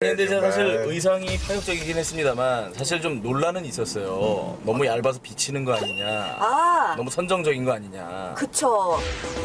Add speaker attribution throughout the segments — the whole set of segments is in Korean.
Speaker 1: 근데 제가 사실
Speaker 2: 정말.
Speaker 1: 의상이 파격적이긴 했습니다만 사실 좀 논란은 있었어요. 너무 얇아서 비치는 거 아니냐.
Speaker 3: 아,
Speaker 1: 너무 선정적인 거 아니냐.
Speaker 3: 그쵸.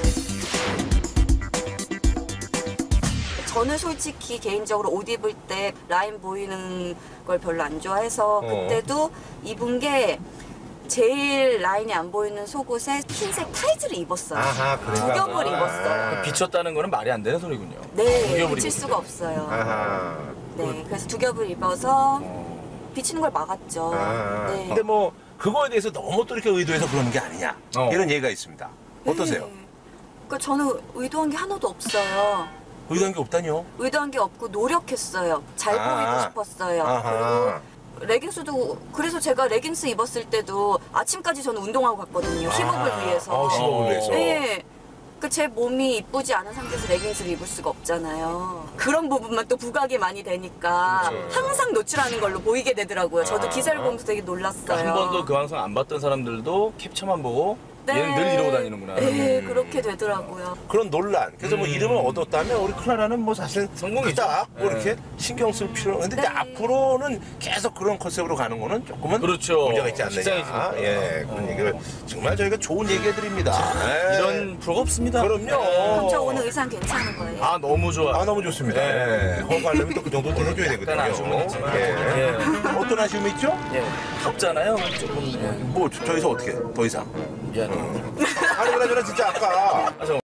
Speaker 3: 저는 솔직히 개인적으로 옷 입을 때 라인 보이는 걸 별로 안 좋아해서 그때도 입은 게 제일 라인이 안 보이는 속옷에 흰색 타이즈를 입었어요.
Speaker 2: 아하,
Speaker 3: 두 겹을 입었어요.
Speaker 1: 비쳤다는 거는 말이 안 되는 소리군요.
Speaker 3: 네,
Speaker 1: 두 겹을
Speaker 3: 비칠
Speaker 1: 입었을
Speaker 3: 수가
Speaker 1: 때.
Speaker 3: 없어요.
Speaker 2: 아하.
Speaker 3: 네, 그래서 두 겹을 입어서 비치는 걸 막았죠. 네.
Speaker 2: 근데 뭐 그거에 대해서 너무 또 이렇게 의도해서 그러는 게 아니냐 이런 얘기가 있습니다. 어떠세요?
Speaker 3: 네. 그러니까 저는 의도한 게 하나도 없어요.
Speaker 2: 의도한 게 없다뇨?
Speaker 3: 의도한 게 없고 노력했어요. 잘 보이고 싶었어요.
Speaker 2: 아하.
Speaker 3: 그리고 레깅스도 그래서 제가 레깅스 입었을 때도 아침까지 저는 운동하고 갔거든요. 힙업을 위해서.
Speaker 2: 힙업을 위해서.
Speaker 3: 네. 그 제 몸이 이쁘지 않은 상태에서 레깅스를 입을 수가 없잖아요. 그런 부분만 또 부각이 많이 되니까
Speaker 1: 그렇죠.
Speaker 3: 항상 노출하는 걸로 보이게 되더라고요. 저도 기사를 보면서 되게 놀랐어요.
Speaker 1: 그러니까 한 번도 그 방송 안 봤던 사람들도 캡처만 보고
Speaker 3: 네.
Speaker 1: 얘는 늘 이러고 다니는구나.
Speaker 3: 네, 그렇게 되더라고요.
Speaker 2: 그런 논란. 그래서 뭐 이름을 얻었다면 우리 클라라는 뭐 사실
Speaker 1: 성공이죠.
Speaker 2: 그닥 뭐
Speaker 1: 네.
Speaker 2: 이렇게 신경 쓸 필요. 근데
Speaker 3: 네.
Speaker 2: 앞으로는 계속 그런 컨셉으로 가는 거는 조금은
Speaker 1: 그렇죠.
Speaker 2: 문제가 있지 않느냐.
Speaker 1: 식상해지니까.
Speaker 2: 예, 그런 얘기를 정말 저희가 좋은 얘기 해드립니다. 예.
Speaker 1: 이런 프로가 없습니다.
Speaker 2: 그럼요.
Speaker 3: 그럼 저 오늘 의상 괜찮은 거예요?
Speaker 1: 아 너무 좋아.
Speaker 2: 아 너무 좋습니다. 예. 허가하려면 또 그 정도는 해줘야 되거든요.
Speaker 1: 약간 아쉬움은 있지만.
Speaker 2: 예. 어떤 아쉬움이 있죠?
Speaker 1: 예. 덥잖아요. 조금
Speaker 2: 뭐 저기서 어떻게 더 이상?
Speaker 1: 미안해요.
Speaker 2: 아니 그나저나 진짜 아까
Speaker 1: 아,